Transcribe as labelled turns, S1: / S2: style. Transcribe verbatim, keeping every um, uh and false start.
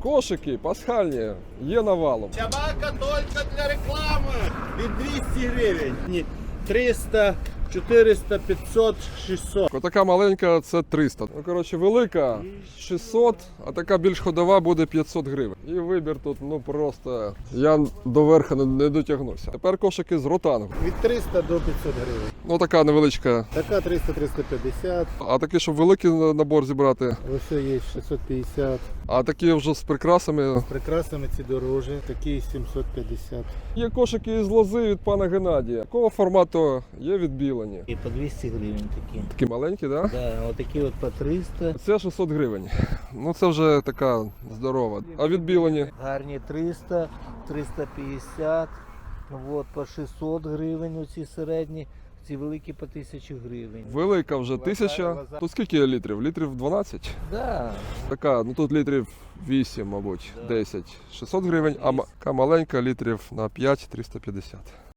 S1: Кошики пасхальні є навалом.
S2: Собака тільки для реклами. Від двісті гривень. Ні, триста, чотириста, п'ятсот, шістсот.
S1: Отака маленька це триста. Ну, коротше, велика шістсот, а така більш ходова буде п'ятсот гривень. І вибір тут, ну просто, я до верха не, не дотягнуся. Тепер кошики з ротангу.
S2: Від триста до п'ятсот гривень.
S1: Ну така невеличка.
S2: Така триста, триста п'ятдесят.
S1: А такі, щоб великий набор зібрати.
S2: Ось є шістсот п'ятдесят.
S1: А такі вже з прикрасами.
S2: Прикрасами ці дорожі. Такі сімсот п'ятдесят.
S1: Є кошики із лози від пана Геннадія. Такого формату є відбілені.
S3: І по двісті гривень такі.
S1: Такі маленькі, так? Да?
S3: Да, отакі от по триста.
S1: Це шістсот гривень. Ну це вже така здорова. А відбілені?
S3: Гарні триста, триста п'ятдесят. От, по шістсот гривень оці середні. Ці великі по тисячу гривень.
S1: Велика вже тисяча. Тут скільки літрів? Літрів дванадцять?
S3: Да.
S1: Така, ну тут літрів вісім, мабуть, десять. шістсот гривень, а ма- така маленька літрів на п'ять триста п'ятдесят.